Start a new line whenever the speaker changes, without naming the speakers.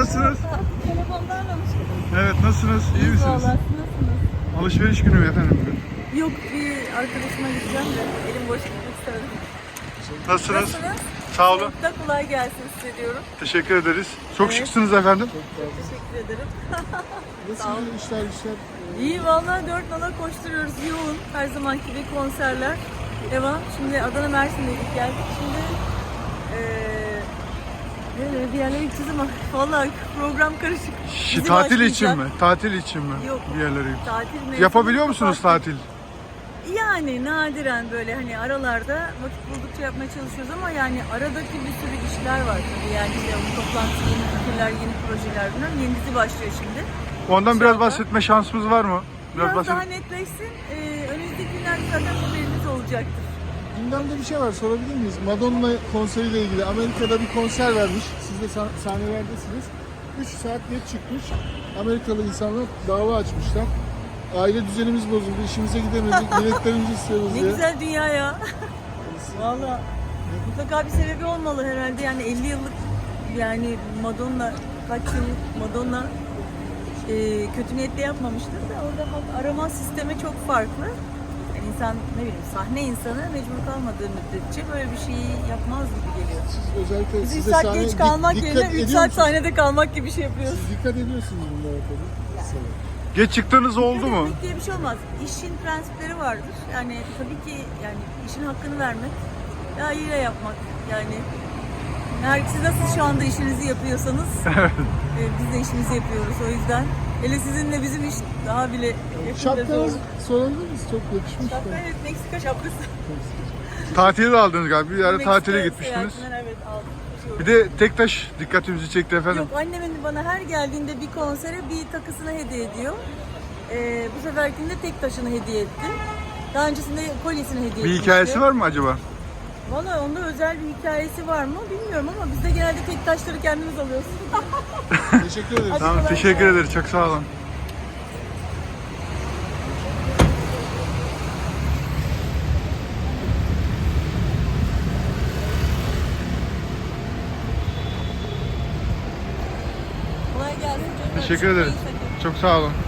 nasılsınız?
Telefondan aramıştım.
Evet, nasılsınız? İyi misiniz?
Vallahi siz nasılsınız?
Alışveriş günü mü efendim bugün?
Yok, bir arkadaşıma gideceğim de elim boş gitmek istemedim.
Nasılsınız?
Nasılsınız?
Sağ olun.
Çok da kolay gelsin size diyorum.
Teşekkür ederiz. Çok
Evet.
şıksınız efendim.
Çok teşekkür ederim. Sağ
Nasıl
olun.
işler?
İyi vallahi dört nala koşturuyoruz. Yoğun. Her zamanki gibi konserler. Devam. Şimdi Adana Mersin'deydik geldik. Şimdi bir yerlere gideceğiz ama vallahi program karışık. Dizi
Tatil için
başlayacak.
mi? Tatil için mi?
Yok.
Bir yerlere git.
Tatil mevsimi
Yapabiliyor musunuz
kapattık.
tatil?
Yani nadiren böyle hani aralarda vakit buldukça yapmaya çalışıyoruz ama yani aradaki bir sürü işler var tabii yani işte toplantı, yeni fikirler, yeni projeler bunlar. Yeni dizi başlıyor şimdi.
Ondan biraz
İnşallah.
bahsetme şansımız var mı?
Biraz daha netleşsin. Önümüzdeki günlerde zaten haberiniz olacaktır.
Gündemde bir şey var, sorabilir miyiz? Madonna konseriyle ilgili Amerika'da bir konser vermiş. Siz de sahnelerdesiniz. 3 saat geç çıkmış. Amerikalı insanlar dava açmışlar. Aile düzenimiz bozuldu, işimize gidemedik, biletlerimizi istiyoruz
Ne
diye.
güzel dünya ya. Valla mutlaka bir sebebi olmalı herhalde. Yani 50 yıllık yani Madonna, kaç yıllık Madonna kötü niyetle yapmamıştır da orada bak arama sistemi çok farklı. Yani insan ne bileyim sahne insanı mecbur kalmadığı müddetçe böyle bir şeyi yapmaz gibi geliyor.
Siz özellikle
Biz 3
size
saat
sahne
geç kalmak
dikkat
yerine 3
ediyor
saat
musunuz?
sahnede kalmak gibi bir şey yapıyoruz.
Siz dikkat ediyorsunuz bunlara tabii.
Geç çıktığınız oldu mu?
Demek diye bir şey olmaz. İşin prensipleri vardır. Yani tabii ki yani işin hakkını vermek, layığıyla yapmak. Yani siz nasıl şu anda işinizi yapıyorsanız biz de işimizi yapıyoruz o yüzden. Hele sizinle bizim iş daha bile yakında
Şapkanız
zor.
sorabilir miyiz? Çok yakışmış.
Şapka evet Meksika şapkası.
Tatili de aldınız galiba. Bir yere
Meksika
tatile gitmiştiniz.
seyahatinden evet aldım.
Bir de Tektaş dikkatimizi çekti efendim.
Yok annemin bana her geldiğinde bir konsere bir takısını hediye ediyor. Bu seferkinde tek taşını hediye etti. Daha öncesinde kolyesini hediye etmişti.
Bir hikayesi var mı acaba?
Valla onda özel bir hikayesi var mı bilmiyorum ama biz de genelde tek taşları kendimiz alıyoruz.
Teşekkür ederiz.
Tamam,
kolay
teşekkür
gelsin.
ederiz. Çok sağ olun.
Kolay gelsin.
Teşekkür ederiz. Çok sağ olun.